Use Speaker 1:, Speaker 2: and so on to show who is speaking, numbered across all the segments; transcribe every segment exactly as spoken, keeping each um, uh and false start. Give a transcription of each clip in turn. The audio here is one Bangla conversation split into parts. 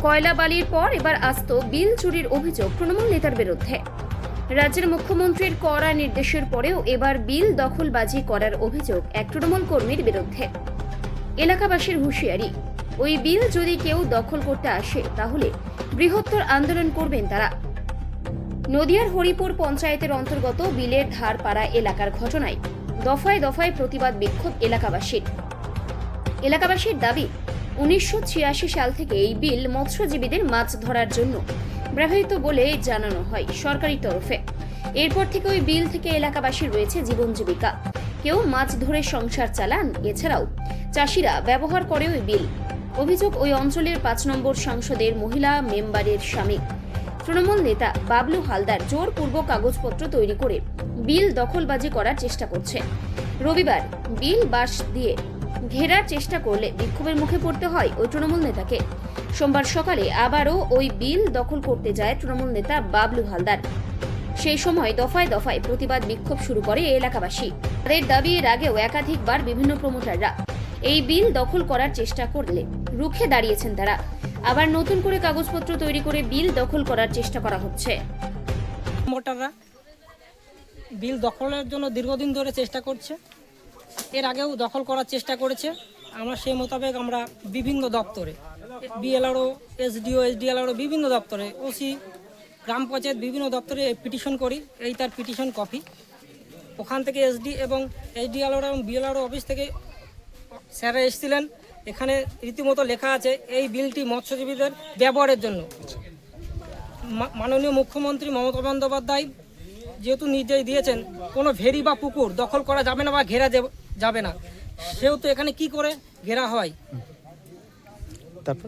Speaker 1: কয়লা বালির পর এবার আসত বিল চুরির অভিযোগ তৃণমূল নেতার বিরুদ্ধে। রাজ্যের মুখ্যমন্ত্রীর কড়া নির্দেশের পরেও এবার বিল দখলবাজি করার অভিযোগ এক তৃণমূল কর্মীর বিরুদ্ধে। এলাকাবাসীর হুঁশিয়ারি, ওই বিল যদি কেউ দখল করতে আসে তাহলে বৃহত্তর আন্দোলন করবেন তারা। নদিয়ার হরিপুর পঞ্চায়েতের অন্তর্গত বিলের ধারপাড়া এলাকার ঘটনায় দফায় দফায় প্রতিবাদ বিক্ষোভ এলাকাবাসীর। এলাকাবাসীর দাবি, উনিশশো ছিয়াশি সাল থেকে এই বিল মৎস্যজীবীদের মাছ ধরার জন্য ব্যবহৃত বলে জানানো হয় সরকারি তরফে। এরপর থেকে ওই বিল থেকে এলাকাবাসীর রয়েছে জীবন জীবিকা, কেউ মাছ ধরে সংসার চালান, এছাড়াও চাষিরা ব্যবহার করে ওই বিল। অভিযোগ, ওই অঞ্চলের পাঁচ নম্বর সংসদের মহিলা মেম্বারের স্বামী তৃণমূল নেতা বাবলু হালদার জোরপূর্বক কাগজপত্র তৈরি করে বিল দখলবাজি করার চেষ্টা করছে। রবিবার বিল বাঁশ দিয়ে ঘেরার চেষ্টা করলে বিক্ষোভের মুখে পড়তে হয় ওই তৃণমূল নেতাকে। সোমবার সকালে আবারও ওই বিল দখল করতে যায় তৃণমূল নেতা বাবলু হালদার। সেই সময় দফায় দফায় প্রতিবাদ বিক্ষোভ শুরু করে এলাকাবাসী। তাদের দাবি, এর আগেও একাধিকবার বিভিন্ন প্রমোটাররা এই বিল দখল করার চেষ্টা করলে রুখে দাঁড়িয়েছেন তারা। আবার নতুন করে কাগজপত্র তৈরি করে বিল দখল করার চেষ্টা করা হচ্ছে।
Speaker 2: প্রমোটাররা বিল দখলের জন্য দীর্ঘদিন ধরে চেষ্টা করছে, এর আগেও দখল করার চেষ্টা করেছে। আমরা সেই মোতাবেক আমরা বিভিন্ন দপ্তরে, বিএলআরও, এসডিও, এসডিএলআরও বিভিন্ন দপ্তরে, ওসি, গ্রাম পঞ্চায়েত বিভিন্ন দপ্তরে পিটিশন করি। এই তার পিটিশন কপি। ওখান থেকে এসডি এবং এসডিএলআর এবং বিএলআরও অফিস থেকে স্যাররা এসেছিলেন। এখানে রীতিমতো লেখা আছে এই বিলটি মৎস্যজীবীদের ব্যবহারের জন্য। মাননীয় মুখ্যমন্ত্রী মমতা বন্দ্যোপাধ্যায় যেহেতু নির্দেশ দিয়েছেন কোনো ভেরি বা পুকুর দখল করা যাবে না বা ঘেরা যাবে না, সেহেতু এখানে কি করে ঘেরা হয়।
Speaker 3: তারপর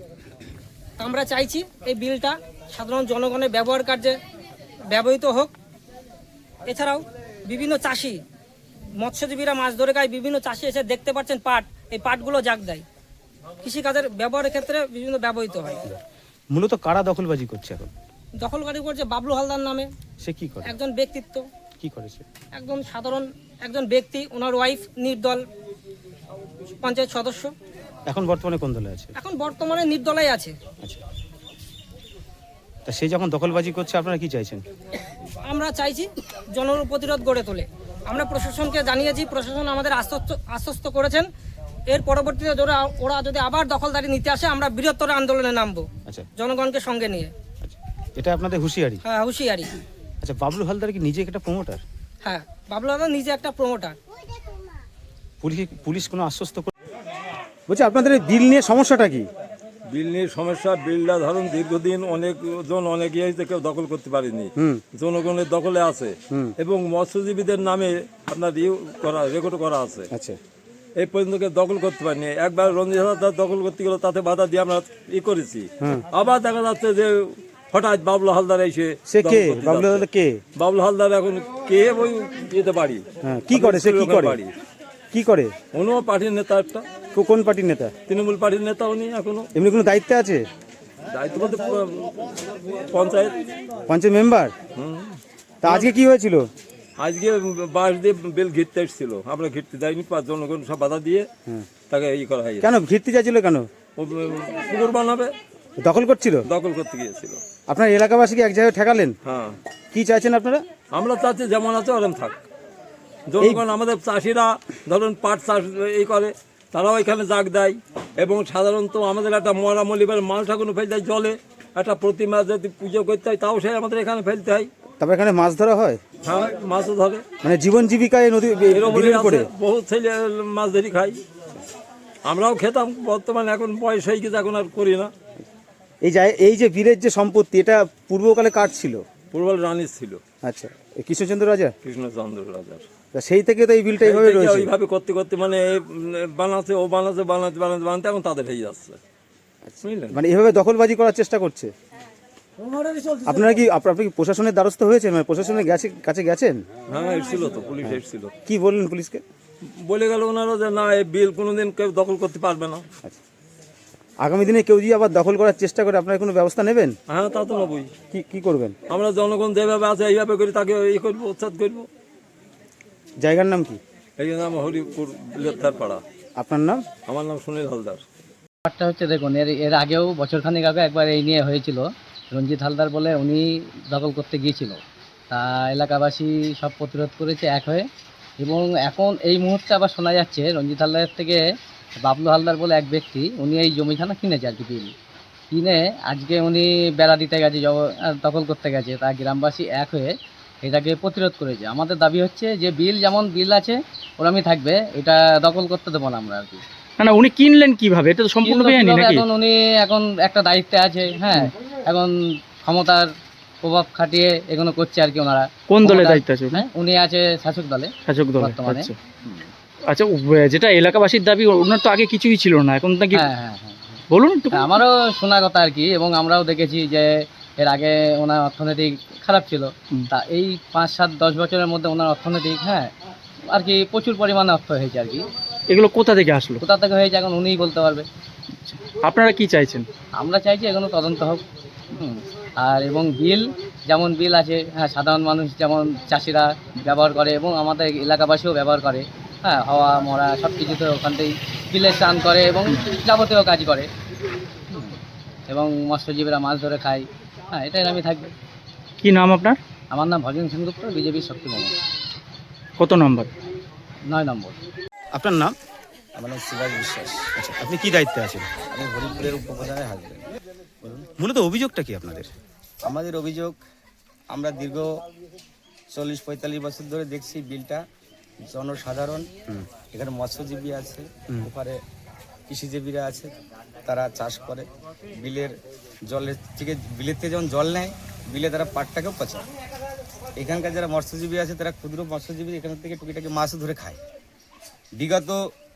Speaker 2: আমরা চাইছি এই বিলটা সাধারণ জনগণের ব্যবহার কার্যে ব্যবহৃত হোক। এছাড়াও বিভিন্ন চাষি, মৎস্যজীবীরা মাছ ধরে খায়, বিভিন্ন চাষি এসে দেখতে পাচ্ছেন পাট, এই পাটগুলো জাগ দেয়, কৃষিকাজের ব্যবহারের ক্ষেত্রে বিভিন্ন ব্যবহৃত হয়।
Speaker 3: মূলত কারা দখলবাজি করছে এখন?
Speaker 2: দখলকারী করছে বাবলু হালদার নামে।
Speaker 3: সে কি করে?
Speaker 2: একজন ব্যক্তিত্ব।
Speaker 3: কি করেছে?
Speaker 2: একদম সাধারণ একজন ব্যক্তি, ওনার ওয়াইফ নির্দল পঞ্চায়েত সদস্য।
Speaker 3: এখন বর্তমানে কোন দলে আছে?
Speaker 2: এখন বর্তমানে নির্দলাই আছে।
Speaker 3: আচ্ছা, তা সে যখন দখলবাজি করছে আপনারা কি চাইছেন?
Speaker 2: আমরা চাইছি জনপ্রতিরোধ গড়ে তোলে। আমরা প্রশাসনকে জানিয়েছি, প্রশাসন আমাদের আশ্বস্ত আশ্বস্ত করেছেন। এর পরবর্তীতে ওরা ওরা যদি আবার দখলদারি নিতে আসে আমরা বৃহত্তর আন্দোলনে নামবো।
Speaker 3: আচ্ছা,
Speaker 2: জনগণকে সঙ্গে নিয়ে।
Speaker 3: আচ্ছা, এটা আপনাদের হুঁশিয়ারি?
Speaker 2: হ্যাঁ, হুঁশিয়ারি।
Speaker 3: আচ্ছা, বাবলু হালদার কি নিজে একটা প্রমোটার?
Speaker 2: হ্যাঁ, বাবলু হালদার নিজে একটা প্রমোটার।
Speaker 3: পুলিশ পুলিশ কোনো আশ্বস্ত করে? বলছি, আপনাদের এই বিল নিয়ে সমস্যাটা কি?
Speaker 4: বিল নিয়ে সমস্যা, বিলটা ধরুন দীর্ঘদিন অনেকজন অনেক ইয়েতে কেউ দখল করতে পারেনি, জনগণের দখলে আছে এবং মৎস্যজীবীদের নামে আপনার ইয়ে করা রেকর্ড করা আছে।
Speaker 3: আচ্ছা,
Speaker 4: এই পর্যন্ত কেউ দখল করতে পারেনি। একবার রঞ্জিত হালদার দখল করতে গেল, তাতে বাধা দিয়ে আমরা ই করেছি। আবার দেখা যাচ্ছে যে হঠাৎ বাবলু হালদার এসে।
Speaker 3: সে কে? বাবলু হালদার কে?
Speaker 4: বাবলু হালদার এখন কে ওই যেতে পারি।
Speaker 3: কি করে সে? কি করে? কি করে?
Speaker 4: অন্য পার্টির নেতা একটা।
Speaker 3: কোন পার্টির নেতা?
Speaker 4: তৃণমূল পার্টির নেতা উনি। এখনো
Speaker 3: এমনি কোনো দায়িত্বে আছে?
Speaker 4: দায়িত্ব বলতে পঞ্চায়েত
Speaker 3: পঞ্চায়েত মেম্বার। তা আজকে কি হয়েছিল?
Speaker 4: আজকে বাঁশ দিয়ে বেল ঘিরতে এসেছিল, আমরা ঘিরতে যাইনি, পাঁচ জনগণ সব বাধা দিয়ে তাকে ই করা হয়।
Speaker 3: কেন ঘিরতে চাইছিল? কেন?
Speaker 4: ও পুকুর বানাবে,
Speaker 3: দখল করছিল।
Speaker 4: দখল করতে গিয়েছিল।
Speaker 3: আপনার এলাকাবাসীকে এক জায়গায় ঠেকালেন?
Speaker 4: হ্যাঁ।
Speaker 3: কি চাইছেন আপনারা?
Speaker 4: আমরা চাচ্ছি যেমন আছে ওরকম থাক। জনগণ, আমাদের চাষিরা ধরুন পাট চাষ এই করে, তারাও এখানে জাগ দেয় এবং সাধারণত আমাদের একটা মরা মলিবার মাল ঠাকুর ফেলতে হয় জলে, একটা প্রতিমা যদি পুজো করতে হয় তাও সে আমাদের এখানে ফেলতে হয়।
Speaker 3: তারপর এখানে মাছ ধরা হয়?
Speaker 4: হ্যাঁ, মাছও ধরে।
Speaker 3: মানে জীবন জীবিকায় নদী করে
Speaker 4: বহু ছেলে মাছ ধরি খাই, আমরাও খেতাম। বর্তমানে এখন বয়স হয়ে গেছে, এখন আর করি না।
Speaker 3: এই যে এই যে বীরের যে সম্পত্তি, এটা পূর্বকালে কার ছিল?
Speaker 4: পূর্বকালে রানীর ছিল।
Speaker 3: আচ্ছা, কৃষ্ণচন্দ্র রাজা?
Speaker 4: কৃষ্ণচন্দ্র রাজার।
Speaker 3: সেই থেকে তো এই বিলটা এইভাবে রয়েছে।
Speaker 4: এইভাবে করতে করতে মানে বানাচ্ছে, ও বানাচ্ছে, বানাতে বানাতে বানাতে এখন তাদের হয়ে যাচ্ছে, বুঝলেন?
Speaker 3: মানে এইভাবে দখলবাজি করার চেষ্টা করছে। আপনারা কি আপনারা কি প্রশাসনের দ্বারস্থ হয়েছেন? মানে প্রশাসনের কাছে গেছেন?
Speaker 4: হ্যাঁ, এসেছিল তো, পুলিশ এসেছিল।
Speaker 3: কি বললেন পুলিশকে?
Speaker 4: বলে গেল ওনারা যে না, এই বিল কোনোদিন কেউ দখল করতে পারবে না।
Speaker 3: আচ্ছা, আগামী দিনে কেউ যদি আবার দখল করার চেষ্টা করে আপনারা কোনো ব্যবস্থা নেবেন?
Speaker 4: হ্যাঁ, তা তো নেবই।
Speaker 3: কি কি করবেন?
Speaker 4: আমরা জনগণ যেভাবে আছে এইভাবে করি, তাকে ই করবো, উচ্ছেদ করবো।
Speaker 3: জায়গার নাম কি?
Speaker 4: এই নাম হরিপুর বিলের ধার পাড়া।
Speaker 3: আপনার নাম?
Speaker 4: আমার নাম সুনীল হালদার।
Speaker 5: ব্যাপারটা হচ্ছে দেখুন, এর এর আগেও বছরখানেক আগে একবার এই নিয়ে হয়েছিল। রঞ্জিত হালদার বলে উনি দখল করতে গিয়েছিল, তা এলাকাবাসী সব প্রতিরোধ করেছে এক হয়ে। এবং এখন এই মুহূর্তে আবার শোনা যাচ্ছে রঞ্জিত হালদারের থেকে বাবলু হালদার বলে এক ব্যক্তি, উনি এই জমিখানা কিনেছে আর কি, বিল কিনে আজকে উনি বেড়া দিতে গেছে, জব- আহ, দখল করতে গেছে। তা গ্রামবাসী এক হয়ে এটাকে প্রতিরোধ করেছে। আমাদের দাবি হচ্ছে যে বিল যেমন বিল আছে ওরমই থাকবে, এটা দখল করতে দেবো না আমরা আর কি।
Speaker 6: না না উনি কিনলেন কিভাবে? এটা তো সম্পূর্ণ
Speaker 5: কিন্তু
Speaker 6: বেআইনি
Speaker 5: কিভাবে
Speaker 6: নাকি?
Speaker 5: এখন উনি এখন একটা দায়িত্বে আছে, হ্যাঁ, এখন ক্ষমতার প্রভাব খাটিয়ে এগুলো করছে আর কি ওনারা।
Speaker 6: কোন দলের
Speaker 5: ক্ষমতা-
Speaker 6: দায়িত্ব আছে উনি?
Speaker 5: হ্যাঁ, উনি আছে শাসক দলে
Speaker 6: শাসক দল।
Speaker 5: বর্তমানে।
Speaker 6: আচ্ছা আচ্ছা, উ- যেটা এলাকাবাসীর দাবি, ওনার তো আগে কিছুই ছিল না, এখন নাকি?
Speaker 5: হ্যাঁ হ্যাঁ হ্যাঁ
Speaker 6: বলুন একটু।
Speaker 5: হ্যাঁ, আমারও শোনা কথা আর কি, এবং আমরাও দেখেছি যে এর আগে ওনার অর্থনৈতিক খারাপ ছিল।
Speaker 6: হুম।
Speaker 5: তা এই পাঁচ সাত দশ বছরের মধ্যে ওনার অর্থনৈতিক, হ্যাঁ, আর কি প্রচুর পরিমাণে অর্থ হয়েছে আর কি।
Speaker 6: এগুলো কোথা থেকে আসলো?
Speaker 5: কোথা থেকে হয়েছে এখন উনিই বলতে পারবে।
Speaker 6: আপনারা কি চাইছেন?
Speaker 5: আমরা চাইছি এগুলো তদন্ত হোক। হুম। আর এবং বিল যেমন বিল আছে, হ্যাঁ, সাধারণ মানুষ যেমন চাষিরা ব্যবহার করে এবং আমাদের এলাকাবাসীও ব্যবহার করে, হ্যাঁ, হাওয়া মরা সব কিছুতে ওখান থেকেই বিলে স্নান করে এবং যাবতীয় কাজ করে। হুম। এবং মৎস্যজীবীরা মাছ ধরে খায়, হ্যাঁ, এটাই আমি থাকবে।
Speaker 6: কি নাম আপনার?
Speaker 5: আমার নাম ভজন সেনগুপ্ত, বিজেপির শক্তি মোহাম্মদ,
Speaker 6: কত নম্বর?
Speaker 5: নয় নম্বর।
Speaker 3: আপনার নাম?
Speaker 7: আমার নাম শিবাজ বিশ্বাস।
Speaker 3: আচ্ছা, আপনি কি দায়িত্বে আছেন?
Speaker 7: আমি হরিপুরের উপপ্রধানের হাজবেন্ড।
Speaker 3: মূলত অভিযোগটা কি আপনাদের?
Speaker 7: আমাদের অভিযোগ, আমরা দীর্ঘ চল্লিশ পঁয়তাল্লিশ বছর ধরে দেখছি বিলটা জনসাধারণ, এখানে মৎস্যজীবী আছে, ওপারে কৃষিজীবীরা আছে, তারা চাষ করে। বিলের জলের থেকে বিলের থেকে যখন জল নেয়, বিলে তারা পাটটাকেও পচায়। এখানকার যারা মৎস্যজীবী আছে তারা ক্ষুদ্র মৎস্যজীবী এখান থেকে টুকিটাকি মাছও ধরে খায়। বিগত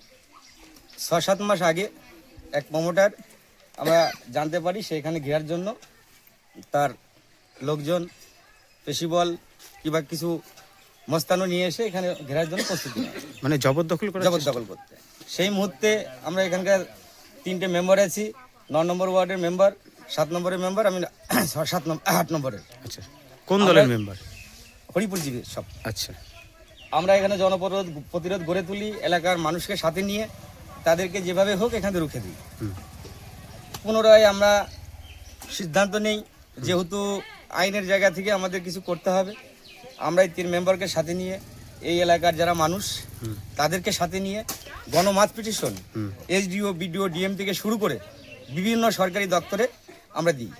Speaker 7: ছ সাত মাস আগে এক প্রমোটার আমরা জানতে পারি সেখানে ঘেরার জন্য তার লোকজন পেশিবল কিংবা কিছু মস্তানো নিয়ে এসে এখানে ঘেরার জন্য প্রস্তুতি নেয়,
Speaker 3: মানে জবরদখল করে?
Speaker 7: জবরদখল করতে। সেই মুহূর্তে আমরা এখানকার তিনটে মেম্বার আছি, ন নম্বর ওয়ার্ডের মেম্বার, সাত নম্বরের মেম্বার, আমি সাত নম্বর আট নম্বরের।
Speaker 3: আচ্ছা, কোন দলের মেম্বার?
Speaker 7: হরিপুরজীবী সব।
Speaker 3: আচ্ছা,
Speaker 7: আমরা এখানে জনপ্রতিরোধ প্রতিরোধ গড়ে তুলি, এলাকার মানুষকে সাথে নিয়ে তাদেরকে যেভাবে হোক এখানে রুখে দিই। পুনরায় আমরা সিদ্ধান্ত নেই, যেহেতু আইনের জায়গা থেকে আমাদের কিছু করতে হবে, আমরা এই তিন মেম্বারকে সাথে নিয়ে এই এলাকার যারা মানুষ তাদেরকে সাথে নিয়ে গণমাত পিটিশন এসডিও বিডিও ডিএম থেকে শুরু করে বিভিন্ন সরকারি দপ্তরে আমরা দিই।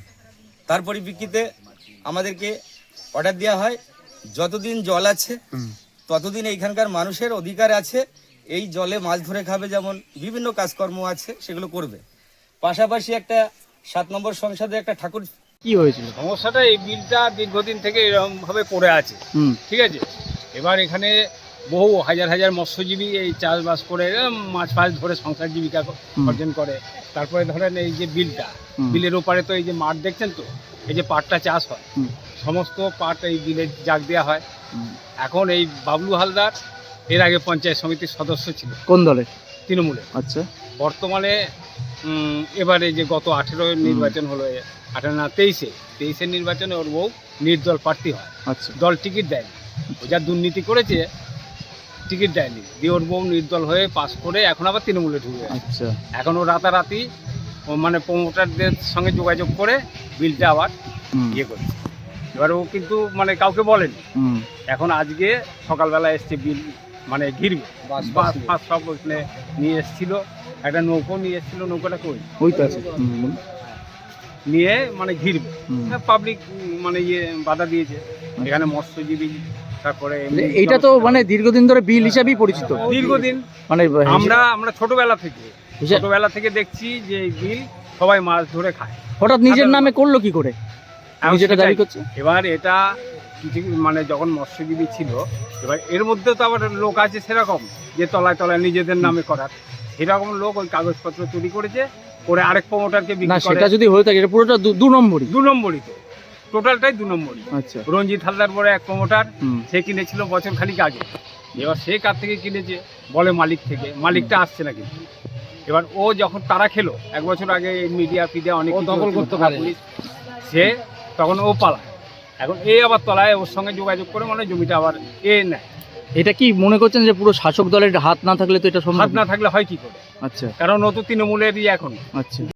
Speaker 7: তার পরিপ্রেক্ষিতে আমাদেরকে অর্ডার দেওয়া হয়, যতদিন জল আছে ততদিন এইখানকার মানুষের অধিকার আছে এই জলে মাছ ধরে খাবে, যেমন বিভিন্ন কাজকর্ম আছে সেগুলো করবে। পাশাপাশি একটা সাত নম্বর সংসদে একটা ঠাকুর।
Speaker 6: কি হয়েছিল?
Speaker 8: সমস্যাটা এই বিলটা দীর্ঘদিন থেকে এরকমভাবে পড়ে আছে,
Speaker 6: হুম।
Speaker 8: ঠিক আছে। এবার এখানে বহু হাজার হাজার মৎস্যজীবী এই চাষবাস করে এরম মাছ ফাছ ধরে সংসার জীবিকা অর্জন করে। তারপরে ধরেন এই যে বিলটা, বিলের ওপারে তো এই যে মাঠ দেখছেন তো, এই যে পাটটা চাষ হয়, সমস্ত পাট এই বিলে জাগ দেওয়া হয়। এখন এই বাবলু হালদার এর আগে পঞ্চায়েত সমিতির সদস্য ছিল,
Speaker 6: কোন দলের?
Speaker 8: তৃণমূলে।
Speaker 6: আচ্ছা,
Speaker 8: বর্তমানে উম, এবারে যে গত আঠেরো নির্বাচন হলো, আঠেরো না তেইশে তেইশের নির্বাচনে ওর বউ নির্দল প্রার্থী হয়।
Speaker 6: আচ্ছা,
Speaker 8: দল টিকিট দেয়নি, ও যা দুর্নীতি করেছে টিকিট দেয়নি, দিয়ে ওর বউ নির্দল হয়ে পাস করে এখন আবার তৃণমূলে ঢুকে গেছে।
Speaker 6: আচ্ছা।
Speaker 8: এখন ও রাতারাতি ও মানে প্রমোটারদের সঙ্গে যোগাযোগ করে বিলটা আবার
Speaker 6: হুম,
Speaker 8: ইয়ে করছে। এবার ও কিন্তু মানে কাউকে বলেনি।
Speaker 6: হুম,
Speaker 8: এখন আজকে সকালবেলা এসছে বিল মানে ঘিরবে, বাস ফাস সব ওখানে নিয়ে এসেছিল, একটা নৌকো নিয়ে এসেছিল, নৌকোটা কই
Speaker 6: ওই তো আছে। হুম, বলুন।
Speaker 8: নিয়ে মানে ঘিরবে,
Speaker 6: হুম।
Speaker 8: পাবলিক মানে ইয়ে বাধা দিয়েছে এখানে মৎস্যজীবী। তারপরে এমনি
Speaker 6: এইটা তো মানে দীর্ঘদিন ধরে বিল হিসাবেই পরিচিত।
Speaker 8: দীর্ঘদিন
Speaker 6: মানে
Speaker 8: আমরা আমরা ছোটবেলা থেকে
Speaker 6: হিসা-
Speaker 8: ছোটবেলা থেকে দেখছি যে এই বিল সবাই মাছ ধরে খায়।
Speaker 6: হঠাৎ নিজের নামে করলো কি করে?
Speaker 8: এখন
Speaker 6: নিজেটা
Speaker 8: সেটাই।
Speaker 6: দাবি করছে।
Speaker 8: এবার এটা কিছু মানে যখন মৎস্যজীবী ছিল, এবার এর মধ্যে তো আবার লোক আছে সেরকম যে তলায় তলায় নিজেদের নামে করার, সেরকম লোক ওই কাগজপত্র চুরি করেছে, করে আরেক প্রমোটারকে
Speaker 6: না,
Speaker 8: বিক্রি করে।
Speaker 6: সেটা যদি হয়ে থাকে এটা পুরোটা দু- দু নম্বরই।
Speaker 8: দু নম্বরই তো, টোটালটাই দু নম্বরই।
Speaker 6: আচ্ছা,
Speaker 8: রঞ্জিত হালদার বলে এক প্রমোটার,
Speaker 6: হুম,
Speaker 8: সে কিনেছিল বছর খানিক আগে। এবার সে কার থেকে কিনেছে বলে মালিক থেকে, মালিকটা আসছে না কিন্তু। এবার ও যখন তারা খেলো এক বছর আগে মিডিয়া ফিডিয়া অনেক কিছু
Speaker 5: দখল
Speaker 8: হচ্ছিল,
Speaker 5: করতে পারে।
Speaker 8: পুলিশ, সে তখন ও পালায়। এখন এ আবার তলায় ওর সঙ্গে যোগাযোগ করে মানে জমিটা আবার এ নেয়।
Speaker 6: এটা কি মনে করছেন যে পুরো শাসক দলের হাত না থাকলে তো এটা সম্ভব
Speaker 8: হাত না থাকলে হয় কি করে?
Speaker 6: আচ্ছা
Speaker 8: কারণ ও তো তৃণমূলেরই এখন।
Speaker 6: আচ্ছা